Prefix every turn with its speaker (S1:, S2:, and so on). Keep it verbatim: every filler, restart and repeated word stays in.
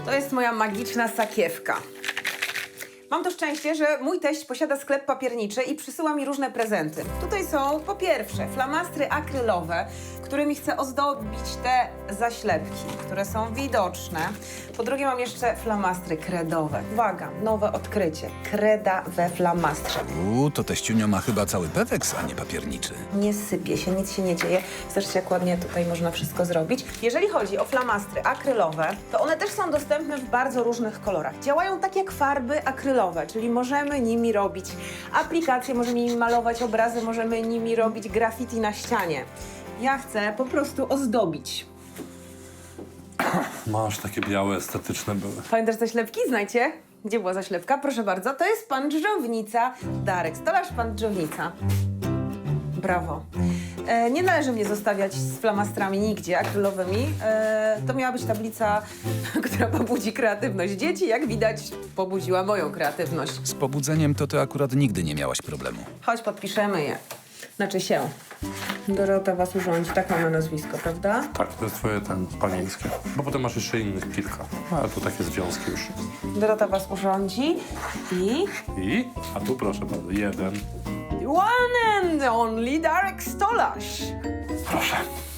S1: To jest moja magiczna sakiewka. Mam to szczęście, że mój teść posiada sklep papierniczy i przysyła mi różne prezenty. Tutaj są po pierwsze flamastry akrylowe, którymi chcę ozdobić te zaślepki, które są widoczne. Po drugie mam jeszcze flamastry kredowe. Uwaga, nowe odkrycie. Kreda we flamastrze.
S2: U, to teściunio ma chyba cały peweks, a nie papierniczy.
S1: Nie sypie się, nic się nie dzieje. Zobaczcie, jak ładnie tutaj można wszystko zrobić. Jeżeli chodzi o flamastry akrylowe, to one też są dostępne w bardzo różnych kolorach. Działają tak jak farby akrylowe, czyli możemy nimi robić aplikacje, możemy nimi malować obrazy, możemy nimi robić graffiti na ścianie. Ja chcę po prostu ozdobić.
S3: Masz takie białe, estetyczne były.
S1: Pamiętasz zaślepki? Znajcie. Gdzie była zaślepka? Proszę bardzo. To jest pan Dżdżownica. Darek, stolarz pan Dżdżownica. Brawo. E, nie należy mnie zostawiać z flamastrami nigdzie akrylowymi. E, to miała być tablica, która pobudzi kreatywność dzieci. Jak widać, pobudziła moją kreatywność.
S2: Z pobudzeniem to ty akurat nigdy nie miałaś problemu.
S1: Chodź, podpiszemy je. Znaczy się. Dorota was urządzi. Tak mam na nazwisko, prawda?
S3: Tak, to jest twoje ten panieńskie. Bo potem masz jeszcze innych kilka. No, ale to takie związki już.
S1: Dorota was urządzi i...
S3: I? A tu proszę bardzo, jeden.
S1: One and only Darek Stolarz.
S3: Proszę.